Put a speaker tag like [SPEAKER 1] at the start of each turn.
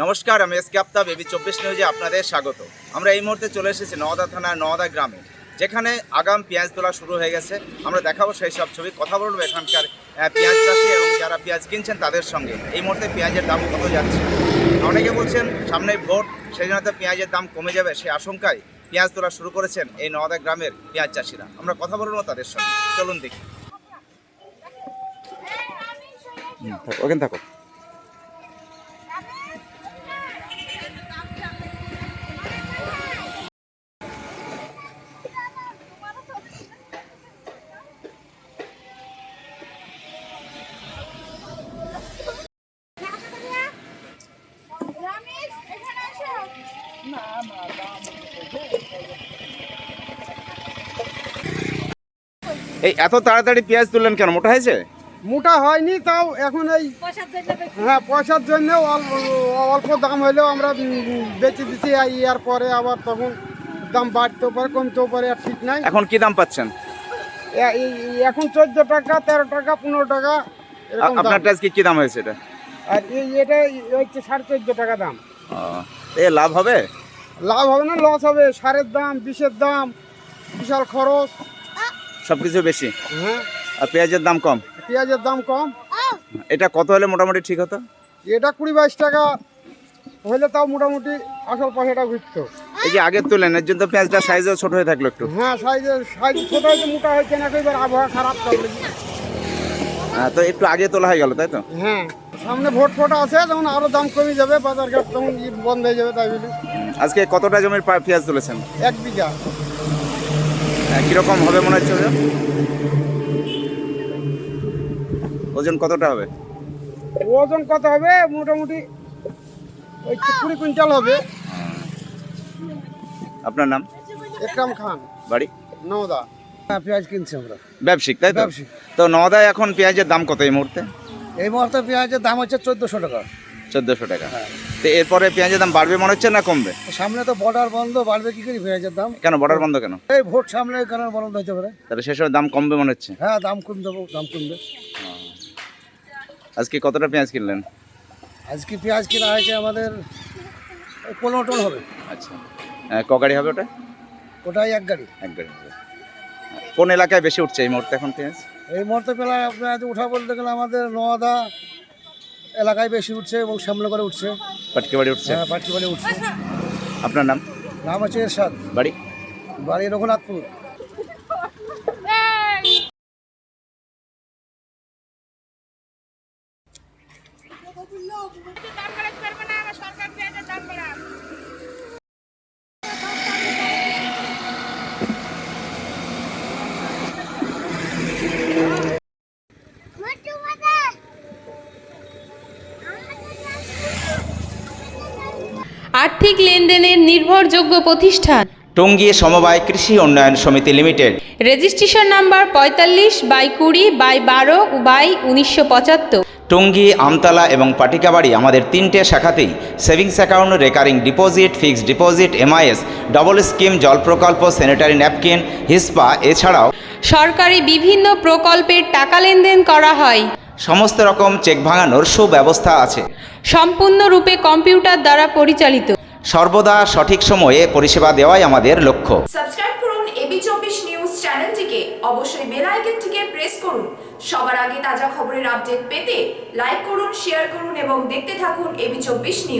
[SPEAKER 1] নমস্কার, আমি SK Aftab, AB 24 নিউজে আপনাদের স্বাগত। আমরা এই মুহূর্তে চলে এসেছি নওদা থানার নওদা গ্রামে, যেখানে আগাম পেঁয়াজ তোলা শুরু হয়ে গেছে। আমরা দেখাবো সেই সব ছবি, কথা বলবো এখানকার পেঁয়াজ চাষি এবং যারা পেঁয়াজ কিনছেন তাদের সঙ্গে। এই মুহূর্তে পেঁয়াজের দাম কত যাচ্ছে? অনেকে বলছেন সামনে ভোট, সেই জন্য তো পেঁয়াজের দাম কমে যাবে, সেই আশঙ্কায় পেঁয়াজ তোলা শুরু করেছেন এই নওদা গ্রামের পেঁয়াজ চাষিরা। আমরা কথা বলবো তাদের সঙ্গে, চলুন দেখি। ওখানে থাকো। এই এত তাড়াতাড়ি পেঁয়াজ তুললেন কেন? মোটা হয়েছে?
[SPEAKER 2] মোটা হয়নি, তাও এখন এই পয়সার জন্য অল্প দাম হলেও আমরা বেঁচে দিচ্ছি। ইয়ার পরে আবার তখন দাম বাড়তেও পারে, কমতেও পারে, আর ঠিক নাই।
[SPEAKER 1] এখন কি দাম পাচ্ছেন?
[SPEAKER 2] এখন 14 টাকা, 13 টাকা, 15 টাকা।
[SPEAKER 1] আপনার আজকে কি দাম হয়েছে এটা?
[SPEAKER 2] আর এটা হচ্ছে 14.5 টাকা দাম।
[SPEAKER 1] এ লাভ হবে?
[SPEAKER 2] লাভ হবে না, লস হবে। সারের দাম, বিষের দাম, বিশাল খরচ,
[SPEAKER 1] সবকিছু বেশি।
[SPEAKER 2] হ্যাঁ,
[SPEAKER 1] আর পেঁয়াজের দাম কম?
[SPEAKER 2] পেঁয়াজের দাম কম।
[SPEAKER 1] এটা কত হলে মোটামুটি ঠিক হতো?
[SPEAKER 2] এটা 20-22 টাকা হলে তাও মোটামুটি আসল পয়সাটা ঘুরতো।
[SPEAKER 1] এই যে আগে তুলেন, এর জন্য পেঁয়াজটা সাইজও ছোট হয়ে থাকলো একটু।
[SPEAKER 2] হ্যাঁ, সাইজ ছোট হয়েছে, মোটা হয়েছে না, এবার আবহাওয়া খারাপ থাকলে।
[SPEAKER 1] তো একটু আগে তোলা হয়ে গেল, তাই তো?
[SPEAKER 2] হ্যাঁ, সামনে ভোট ফোটা আছে, তখন আরো দাম কমে যাবে, বাজার ঘাট তখন বন্ধ হয়ে যাবে। তাই বলি
[SPEAKER 1] আজকে কতটা জমির পেঁয়াজ তুলেছেন?
[SPEAKER 2] 1 বিঘা।
[SPEAKER 1] কিরকম হবে মনে হচ্ছে ওজন? ওজন কতটা হবে?
[SPEAKER 2] ওজন কত হবে? মোটামুটি ওই 20 কুইন্টাল হবে।
[SPEAKER 1] আপনার নাম?
[SPEAKER 2] একরাম খান,
[SPEAKER 1] বাড়ি
[SPEAKER 2] নওদা। পেঁয়াজ কিনছি আমরা,
[SPEAKER 1] ব্যবসায়িক, তাই তো?
[SPEAKER 2] ব্যবসায়িক।
[SPEAKER 1] তো নওদায় এখন পেঁয়াজের দাম কত এই মুহূর্তে?
[SPEAKER 2] এই মুহূর্তে পেঁয়াজের দাম হচ্ছে 1400 টাকা।
[SPEAKER 1] 1400 টাকা। তো এরপরে পেঁয়াজের দাম বাড়বে মনে হচ্ছে না কমবে?
[SPEAKER 2] সামনে তো বর্ডার বন্ধ, বাড়বে কি করে পেঁয়াজের দাম?
[SPEAKER 1] কেন বর্ডার বন্ধ কেন?
[SPEAKER 2] এই ভোট সামনে, কারণ বন্ধ হতে পারে।
[SPEAKER 1] তাহলে সে সময় দাম কমবে মনে হচ্ছে?
[SPEAKER 2] হ্যাঁ, দাম কম দেবো, দাম কমবে।
[SPEAKER 1] আজকে কতটা পেঁয়াজ কিনলেন?
[SPEAKER 2] আজকে পেঁয়াজ কেনা হয়েছে আমাদের 15 টন হবে।
[SPEAKER 1] আচ্ছা, ক গাড়ি হবে ওটা?
[SPEAKER 2] ওটাই 1 গাড়ি।
[SPEAKER 1] এক গাড়ি হবে। কোন এলাকায় বেশি উঠছে এই মুহূর্তে এখন পেঁয়াজ?
[SPEAKER 2] এই মুহূর্তে পেঁয়াজ উঠা বলতে গেলে আমাদের নওদা এলাকায় বেশি উঠছে এবং সামনে করে উঠছে।
[SPEAKER 1] পাটকিবাড়ি উঠছে?
[SPEAKER 2] হ্যাঁ, পাটকিবাড়ি উঠছে।
[SPEAKER 1] আপনার নাম?
[SPEAKER 2] নাম হচ্ছে এরশাদ,
[SPEAKER 1] বাড়ি?
[SPEAKER 2] বাড়ি রঘুনাথপুর।
[SPEAKER 3] আর্থিক লেনদেনের নির্ভরযোগ্য প্রতিষ্ঠান
[SPEAKER 1] টঙ্গী সমবায় কৃষি উন্নয়ন সমিতি limited.
[SPEAKER 3] Registration number 45/20/12/1975।
[SPEAKER 1] Tongi, Amtala এবং পাটিকাবাড়ি আমাদের 3টে শাখাতেই savings account, recurring deposit, fixed deposit, MIS, double scheme, জল প্রকল্প, স্যানিটারি ন্যাপকিন, হিসপা, এছাড়াও
[SPEAKER 3] সরকারি বিভিন্ন প্রকল্পের টাকা লেনদেন করা হয়।
[SPEAKER 1] সমস্ত রকম চেক ভাঙানোর সুব্যবস্থা আছে।
[SPEAKER 3] সম্পূর্ণরূপে কম্পিউটার দ্বারা পরিচালিত।
[SPEAKER 1] সর্বদা সঠিক সময়ে পরিষেবা দেওয়াই আমাদের লক্ষ্য।
[SPEAKER 4] সাবস্ক্রাইব করুন এবি 24 নিউজ চ্যানেলটিকে, অবশ্যই বেল আইকনটিকে প্রেস করুন। সবার আগে তাজা খবরের আপডেট পেতে লাইক করুন, শেয়ার করুন এবং দেখতে থাকুন এবি 24 নিউজ।